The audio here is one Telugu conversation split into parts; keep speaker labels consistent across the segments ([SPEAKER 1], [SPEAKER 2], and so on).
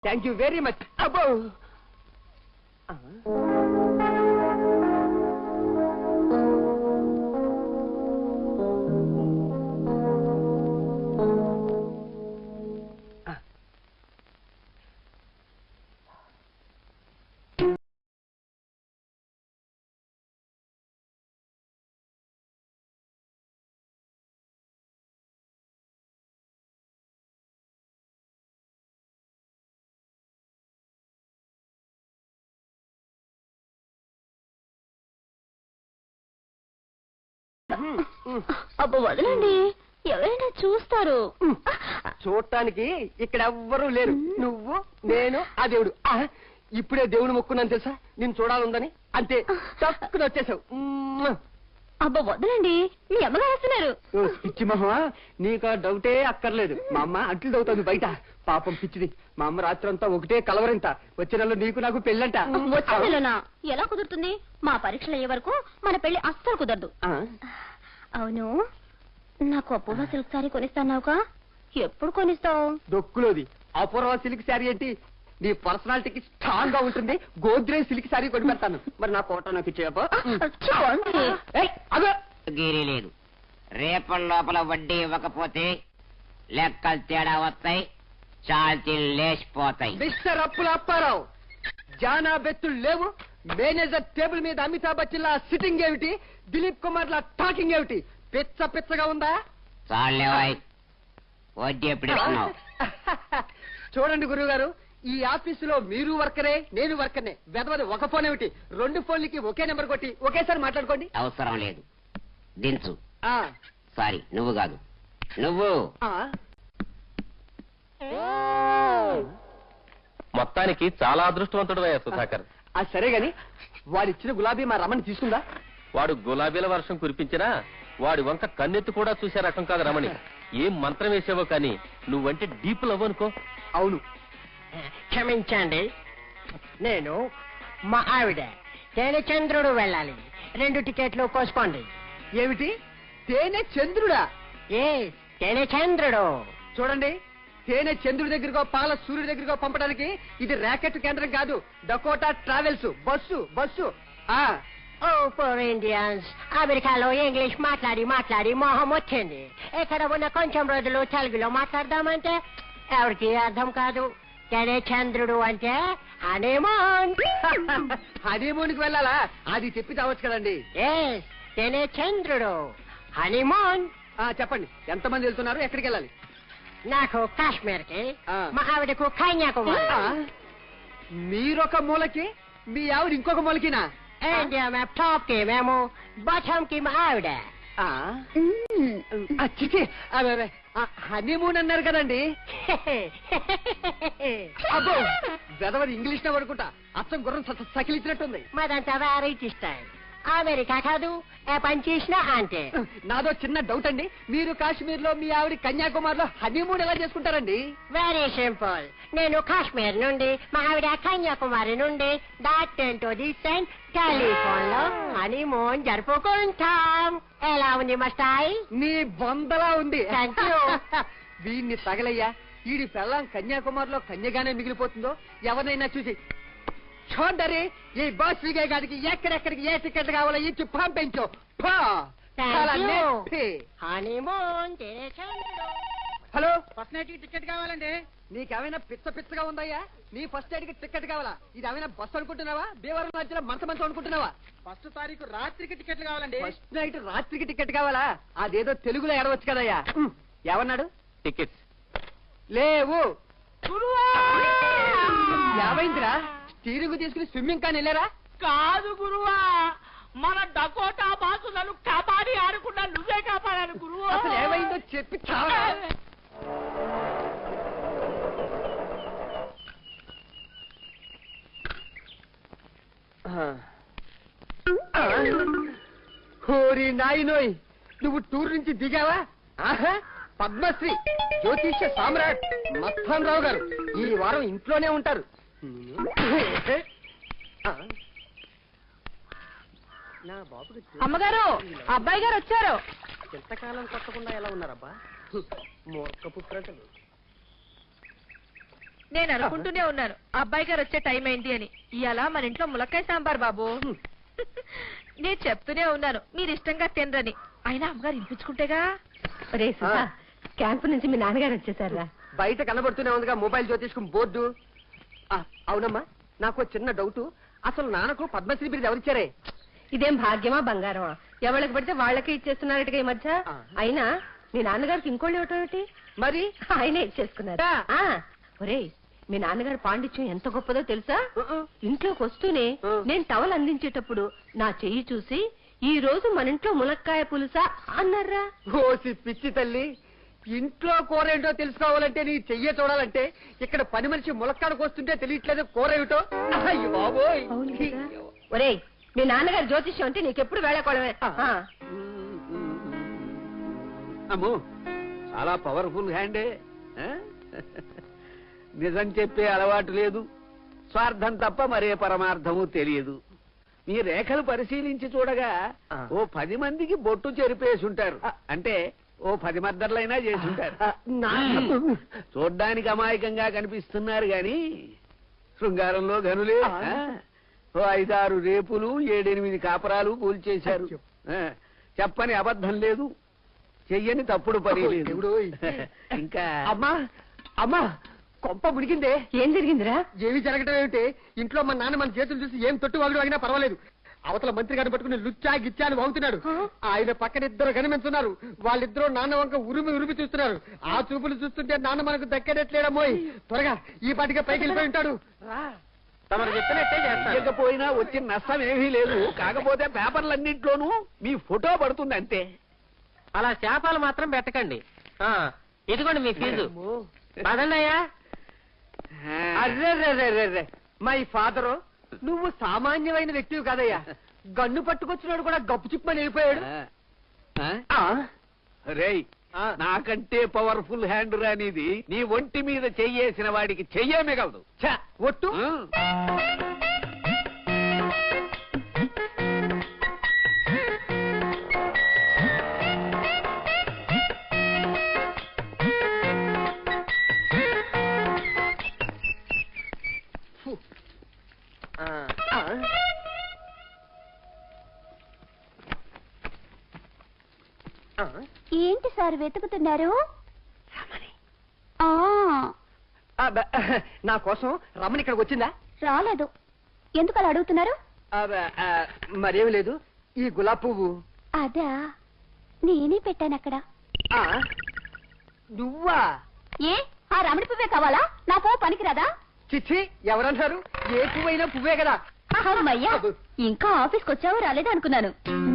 [SPEAKER 1] Thank you very much. అబ్బో
[SPEAKER 2] అబ్బో వదలండి, ఎవరైనా చూస్తారు.
[SPEAKER 1] చూడటానికి ఇక్కడ ఎవ్వరూ లేరు. నువ్వు, నేను, ఆ దేవుడు. ఇప్పుడే దేవుడు మొక్కున్నాను తెలుసా, నేను చూడాలందని. అంతే, తక్కువ వచ్చేసావు.
[SPEAKER 2] అబ్బా వదలండి, మీ అమ్మగారు వస్తున్నారు.
[SPEAKER 1] పిచ్చి మహా, నీకు ఆ డౌటే అక్కర్లేదు. మా అమ్మ అంట్లు దవుతుంది బయట. పాపం పిచ్చిది. మా అమ్మ రాత్రంతా ఒకటే కలవరింత. వచ్చే నెలలో నీకు నాకు పెళ్ళంట.
[SPEAKER 2] వచ్చే నెలనా? ఎలా కుదురుతుంది? మా పరీక్షలు అయ్యే వరకు మన పెళ్లి అస్సలు కుదరదు. అవును, నాకు అపూర్వ సిల్క్ శారీ కొనిస్తాన్నావుగా, ఎప్పుడు కొనిస్తావు?
[SPEAKER 1] దొక్కులోది అపూర్వ సిల్క్ శారీ ఏంటి? నీ పర్సనాలిటీకి స్ట్రాంగ్ గా ఉంటుంది. గోద్రేజ్ సిల్క్ శారీ కొని పెడతాను. మరి నా ఫోటో నాకు ఇచ్చేయపో.
[SPEAKER 3] గీరీ లేదు. రేపటి లోపల వడ్డీ ఇవ్వకపోతే లెక్కలు తేడా వస్తాయి, చాల్తీలు లేచిపోతాయి.
[SPEAKER 1] మిస్టర్ అప్పుల అప్పారావు, జానా బెత్తులు లేవు. మేనేజర్ టేబుల్ మీద అమితాబ్ బచ్చన్ లా సిట్టింగ్ ఏమిటి? దిలీప్ కుమార్ లా టాకింగ్ ఏమిటి? పిచ్చ పిచ్చగా ఉందా?
[SPEAKER 3] చాలేవాయ్, వడ్డీ ఎప్పుడు ఇస్తున్నావు?
[SPEAKER 1] చూడండి గురువు గారు, ఈ ఆఫీసులో మీరు వర్కరే, నేను వర్కర్నే. వెదవది ఒక ఫోన్ ఏమిటి? 2 ఫోన్లకి ఒకే నెంబర్ కొట్టి ఒకేసారి మాట్లాడుకోండి.
[SPEAKER 3] అవసరం లేదు, దించు. సారీ, నువ్వు కాదు, నువ్వు.
[SPEAKER 4] మొత్తానికి చాలా అదృష్టవంతుడు అయ్యా సుధాకర్.
[SPEAKER 1] సరే గాని, వాడిచ్చిన గులాబీ మా రమణి తీసుకుందా?
[SPEAKER 4] వాడు గులాబీల వర్షం కురిపించినా వాడి వంక కన్నెత్తి కూడా చూసే రకం కాదు రమణి. ఏం మంత్రం వేసావో కానీ నువ్వంటే డీప్ లవ్ అనుకో.
[SPEAKER 1] అవును.
[SPEAKER 5] క్షమించండి, నేను మా ఆవిడ తేనె చంద్రుడు వెళ్ళాలి. 2 టికెట్లు కోసుకోండి.
[SPEAKER 1] ఏమిటి? తేనె చంద్రుడా?
[SPEAKER 5] ఏ తేనె చంద్రుడు?
[SPEAKER 1] చూడండి, తేనె చంద్రుడి దగ్గరకో పాల సూర్యుడి దగ్గరకో పంపడానికి ఇది ర్యాకెట్ కేంద్రం కాదు. Dakota Travels bus.
[SPEAKER 5] Oh for Indians, అమెరికాలో ఇంగ్లీష్ మాట్లాడి మాట్లాడి మొహం వచ్చింది. ఇక్కడ ఉన్న కొంచెం రోజులు తెలుగులో మాట్లాడదామంటే ఎవరికి అర్థం కాదు. తేనె చంద్రుడు అంటే హనీమూన్.
[SPEAKER 1] హనీమూన్ కి వెళ్ళాలా? అది చెప్పి చావచ్చు కదండి.
[SPEAKER 5] తేనె చంద్రుడు హనీమూన్.
[SPEAKER 1] చెప్పండి, ఎంతమంది వెళ్తున్నారు? ఎక్కడికి వెళ్ళాలి?
[SPEAKER 5] నాకు కాశ్మీర్ కి, మా ఆవిడకు కన్యాకుమారి.
[SPEAKER 1] మీరొక మూలకి, మీ ఆవిడ ఇంకొక మూలకినా?
[SPEAKER 5] ఇండియా మ్యాప్ టాప్ కి మేము, బాటమ్ కి మా ఆవిడ.
[SPEAKER 1] హనీమూన్ అన్నారు కదండి. అబ్బో, వెదవది ఇంగ్లీష్ లో పడుకుంటా. అచ్చం గుర్రం సకిలిచ్చినట్టుంది.
[SPEAKER 5] మాదంతా వెరైటీ స్టైల్. అమెరికా కాదు, ఏ పని చేసినా అంటే.
[SPEAKER 1] నాదో చిన్న డౌట్ అండి, మీరు కాశ్మీర్ లో, మీ ఆవిడ కన్యాకుమారి లో హనీమూన్ ఎలా చేసుకుంటారండి?
[SPEAKER 5] Very simple. నేను కాశ్మీర్ నుండి, మా ఆవిడ కన్యాకుమారి నుండి, టెలిఫోన్ లో హనీమూన్ జరుపుకుంటాం. ఎలా ఉంది మా స్టైల్?
[SPEAKER 1] నీ బొందలా ఉంది.
[SPEAKER 5] Thank you.
[SPEAKER 1] వీడిని తగలయ్యా. వీడి పెళ్ళాం కన్యాకుమారిలో కన్యగానే మిగిలిపోతుందో ఎవరినైనా చూసి చూడరి, ఈ బస్ విగే గారికి ఎక్కడెక్కడికి ఏ టికెట్ కావాలో ఇచ్చి పంపించు. హలో,
[SPEAKER 5] ఫస్ట్ నైట్ టికెట్ కావాలండి.
[SPEAKER 1] నీకేమైనా పిచ్చగా ఉందయ్యా? నీ ఫస్ట్ నైట్ కి టికెట్ కావాలా? ఇది ఏమైనా బస్సు అనుకుంటున్నావా? భీవరం మధ్యలో మంచం అనుకుంటున్నావా?
[SPEAKER 5] ఫస్ట్ తారీఖు రాత్రికి టికెట్లు కావాలండి.
[SPEAKER 1] ఫస్ట్ నైట్ రాత్రికి టికెట్ కావాలా? అదేదో తెలుగులో ఎడవచ్చు కదయ్యా. ఏమన్నాడు?
[SPEAKER 4] టికెట్స్
[SPEAKER 1] లేవు. ఏమైందిరా? స్టీరింగ్ తీసుకుని స్విమ్మింగ్ కానీ వెళ్ళారా?
[SPEAKER 5] కాదు గురువా, మన డకోటా బాసు నన్ను కాపాడి ఆడకుండా నువ్వే కాపాడాను గురువు.
[SPEAKER 1] అసలు ఏమైందో చెప్పి చావరా. హోరి నాయనోయ్, నువ్వు టూర్ నుంచి దిగావా? ఆహా, పద్మశ్రీ జ్యోతిష్య సామ్రాట్ మస్తాన్ రావు గారు ఈ వారం ఇంట్లోనే ఉంటారు.
[SPEAKER 2] అమ్మగారు, అబ్బాయి గారు వచ్చారు.
[SPEAKER 1] ఎంతకాలం కొట్టకుండా ఎలా ఉన్నారబ్బా? మూర్ఖ పుత్రటలు.
[SPEAKER 6] నేను అనుకుంటూనే ఉన్నాను అబ్బాయి గారు వచ్చే టైం ఏంటి అని. ఇవాళ మన ఇంట్లో ములక్కాయ సాంబార్ బాబు. నేను చెప్తూనే ఉన్నాను మీరు ఇష్టంగా తినరని, అయినా అమ్మగారు వినిపించుకుంటేగా.
[SPEAKER 5] క్యాంపు నుంచి మీ నాన్నగారు వచ్చేసారా?
[SPEAKER 1] బయట కనబడుతూనే ఉందిగా మొబైల్ జ్యోతిష్కం బోర్డు. అవునమ్మా, నాకు చిన్న డౌట్. అసలు నాన్నకు పద్మశ్రీ బిరుదు ఎవరిచ్చారే?
[SPEAKER 5] ఇదేం భాగ్యమా బంగారమా? ఎవరికి పడితే వాళ్ళకే ఇచ్చేస్తున్నారట ఈ మధ్య. అయినా మీ నాన్నగారికి ఇంకోళ్ళు ఇవ్వటం మరి ఆయనే ఇచ్చేసుకున్నారు. ఒరేయ్, మీ నాన్నగారు పాండిత్యం ఎంత గొప్పదో తెలుసా? ఇంట్లోకి వస్తూనే నేను టవల్ అందించేటప్పుడు నా చెయ్యి చూసి ఈ రోజు మన ఇంట్లో ములక్కాయ పులుసా అన్నారా.
[SPEAKER 1] ఓసి పిచ్చి తల్లి, ఇంట్లో కూర ఏంటో తెలుసుకోవాలంటే నీ చెయ్యే చూడాలంటే ఇక్కడ పని మనిషి ములక్కాడకు వస్తుంటే తెలియట్లేదు కూర ఏమిటో. అయ్యో బాబోయ్.
[SPEAKER 5] ఒరేయ్, మీ నాన్నగారు జ్యోతిష్యం అంటే నీకెప్పుడు వేళకోవడమే.
[SPEAKER 7] అమ్మో, చాలా పవర్ఫుల్ హ్యాండే. నిజం చెప్పే అలవాటు లేదు, స్వార్థం తప్ప మరే పరమార్థము తెలియదు. మీ రేఖలు పరిశీలించి చూడగా ఓ 10 మందికి బొట్టు చెరిపేసి ఉంటారు. అంటే ఓ 10 మద్దర్లైనా చేసి ఉంటారు. చూడ్డానికి అమాయకంగా కనిపిస్తున్నారు గాని శృంగారంలో గనులే. ఓ 5-6 రేపులు 7-8 కాపరాలు కూల్చేశారు. చెప్పని అబద్ధం లేదు, చెయ్యని తప్పుడు పని లేదు. ఇంకా
[SPEAKER 1] అమ్మా అమ్మా, కొంప ముడిగిందే.
[SPEAKER 5] ఏం జరిగిందిరా?
[SPEAKER 1] ఏమి జరగటం ఏమిటి? ఇంట్లో మా నాన్న మన చేతులు చూసి ఏం తొట్టు వాగుడు వాగినా పర్వాలేదు, అవతల మంత్రి గారిని పట్టుకుని లుచ్చా గిచ్చా అని వాగుతున్నాడు. ఆయన పక్కన 2 కనిపించున్నారు. వాళ్ళిద్దరూ నాన్న వంక ఉరిమి చూస్తున్నారు. ఆ చూపులు చూస్తుంటే నాన్న మనకు దక్కేటట్లేడమ్మోయ్. త్వరగా ఈ పాటిగా పైకి వెళ్ళిపోయి ఉంటాడు.
[SPEAKER 4] తమరు చెప్పినట్టే చేస్తాను.
[SPEAKER 7] ఇకపోయినా వచ్చిన నష్టం ఏమీ లేదు. కాకపోతే పేపర్లన్నింటిలోనూ మీ ఫోటో పడుతుంది అంతే.
[SPEAKER 4] అలా శాపాలు మాత్రం పెట్టకండి. ఇదిగోండి మీ ఫీజు. పదండయ్యా.
[SPEAKER 1] అర్రే, మై ఫాదరు, నువ్వు సామాన్యమైన వ్యక్తివి కాదయ్యా. గన్ను పట్టుకొచ్చినాడు కూడా గప్పు చిప్పని వెళ్ళిపోయాడు.
[SPEAKER 7] రేయ్, నాకంటే పవర్ఫుల్ హ్యాండ్ రానిది నీ ఒంటి మీద చెయ్యేసిన వాడికి చెయ్యే మిగలదు.
[SPEAKER 1] ఒట్టు.
[SPEAKER 2] ఏంటి సార్ వెతుకుతున్నారు?
[SPEAKER 1] నా కోసం రమణి ఇక్కడికి వచ్చిందా?
[SPEAKER 2] రాలేదు. ఎందుకు అలా అడుగుతున్నారు?
[SPEAKER 1] మరేమి లేదు. ఈ గులాబ్ పువ్వు
[SPEAKER 2] అదా, నేనే పెట్టాను అక్కడ.
[SPEAKER 1] నువ్వా?
[SPEAKER 2] ఏ, ఆ రమణి పువ్వే కావాలా? నా పువ్వు పనికిరాదా?
[SPEAKER 1] చిచ్చి, ఎవరన్నారు? ఏ పువ్వైనా పువ్వే కదా.
[SPEAKER 2] అమ్మయ్యా, ఇంకా ఆఫీస్కి వచ్చావో రాలేదా అనుకున్నాను.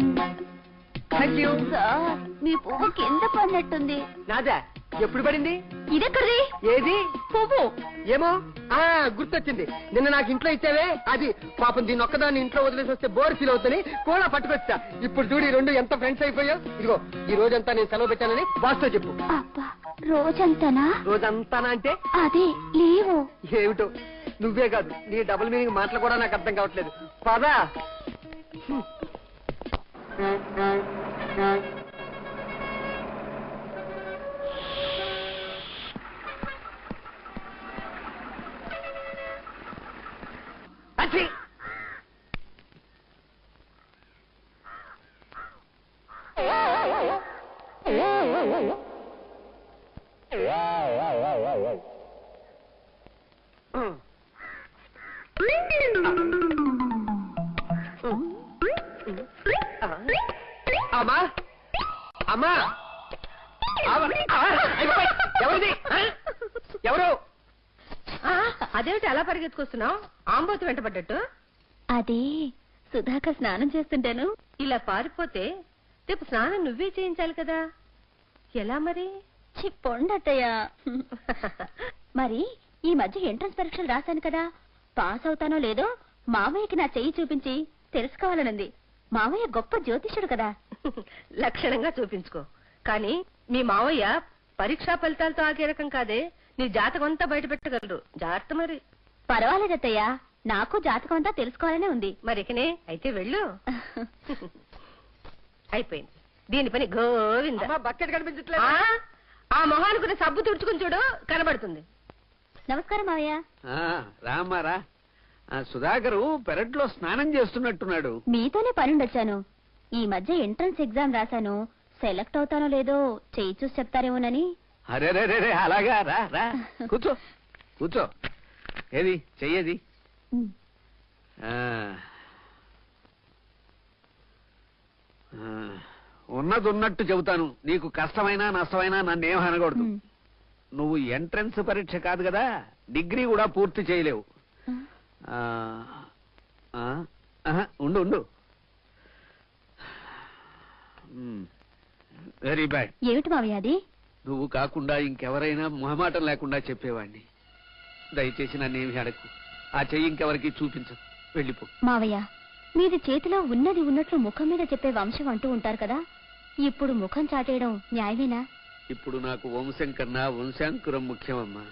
[SPEAKER 2] సార్, మీ పువ్వు కింద పడినట్టుంది.
[SPEAKER 1] నాదా? ఎప్పుడు పడింది?
[SPEAKER 2] ఇదెక్కడిది?
[SPEAKER 1] ఏది
[SPEAKER 2] పువ్వు?
[SPEAKER 1] ఏమో, గుర్తొచ్చింది. నిన్న నాకు ఇంట్లో ఇచ్చావే అది. పాపం దీన్ని ఒక్కదాన్ని ఇంట్లో వదిలేసి వస్తే బోర్ ఫీల్ అవుతుంది కూడా పట్టుకొచ్చా. ఇప్పుడు చూడు, 2 ఎంత ఫ్రెండ్స్ అయిపోయావు. ఇదిగో, ఈ రోజంతా నేను సెలవు పెట్టానని బాస్తో చెప్పు.
[SPEAKER 2] అబ్బా, రోజంతానా?
[SPEAKER 1] రోజంతానా అంటే
[SPEAKER 2] అదే లేవు.
[SPEAKER 1] ఏమిటో, నువ్వే కాదు, నీ డబుల్ మీనింగ్ మాటలు కూడా నాకు అర్థం కావట్లేదు. పదా. అమ్మా అమ్మా, ఎవరిది? ఎవరు?
[SPEAKER 5] అదేమిటి అలా పరిగెత్తుకొస్తున్నావు? ఆంబోతు వెంటబడ్డట్టు.
[SPEAKER 2] అదే సుధాకర్ స్నానం చేస్తుంటాను.
[SPEAKER 5] ఇలా పారిపోతే రేపు స్నానం నువ్వే చేయించాలి కదా. ఎలా మరి?
[SPEAKER 2] చిప్పొండట్టయ్యా. మరి ఈ మధ్య ఎంట్రన్స్ పరీక్షలు రాశాను కదా, పాస్ అవుతానో లేదో మామయ్యకి నా చెయ్యి చూపించి తెలుసుకోవాలనుంది. మామయ్య గొప్ప జ్యోతిష్యుడు కదా.
[SPEAKER 5] లక్షణంగా చూపించుకో. కానీ మీ మావయ్య పరీక్షా ఫలితాలతో ఆగే రకం కాదే. నీ జాతకం అంతా బయట పెట్టగలరు. జాగ్రత్త మరి.
[SPEAKER 2] పర్వాలేదత్తయ్యా, నాకు జాతకం అంతా తెలుసుకోవాలనే ఉంది.
[SPEAKER 5] మరికనే అయితే వెళ్ళు. అయిపోయింది దీని పని. గోవింద.
[SPEAKER 1] బకెట్ కనిపించట్లేదు.
[SPEAKER 5] ఆ మొహానుకున్న సబ్బు తుడుచుకుని చూడు, కనబడుతుంది.
[SPEAKER 2] నమస్కారం మావయ్య.
[SPEAKER 7] రామారా సుధాకరు పెరట్లో స్నానం చేస్తున్నట్టున్నాడు.
[SPEAKER 2] మీతోనే పనుండొచ్చాను. ఈ మధ్య ఎంట్రన్స్ ఎగ్జామ్ రాశాను. సెలెక్ట్ అవుతానో లేదో చెయ్యి చూసి చెప్తారేమోనని.
[SPEAKER 7] అరే అలాగా రా రా కూర్చో కూర్చో. ఏది చెయ్యేది? ఉన్నది ఉన్నట్టు చెబుతాను. నీకు కష్టమైనా నష్టమైనా నన్నేం అనకూడదు. నువ్వు ఎంట్రన్స్ పరీక్ష కాదు కదా, డిగ్రీ కూడా పూర్తి చేయలేవు. ఉండు ఉండు. Very bad.
[SPEAKER 2] ఏమిటి మావయ్య అది?
[SPEAKER 7] నువ్వు కాకుండా ఇంకెవరైనా మొహమాటం లేకుండా చెప్పేవాడిని. దయచేసి నన్నేమి అడగకు. ఆ చెయ్యి ఇంకెవరికి చూపించు. వెళ్ళిపో.
[SPEAKER 2] మావయ్య, మీది చేతిలో ఉన్నది ఉన్నట్లు ముఖం మీద చెప్పే వంశం అంటూ ఉంటారు కదా, ఇప్పుడు ముఖం చాటేయడం న్యాయమేనా?
[SPEAKER 7] ఇప్పుడు నాకు వంశం కన్నా వంశాంకురం ముఖ్యమమ్మా.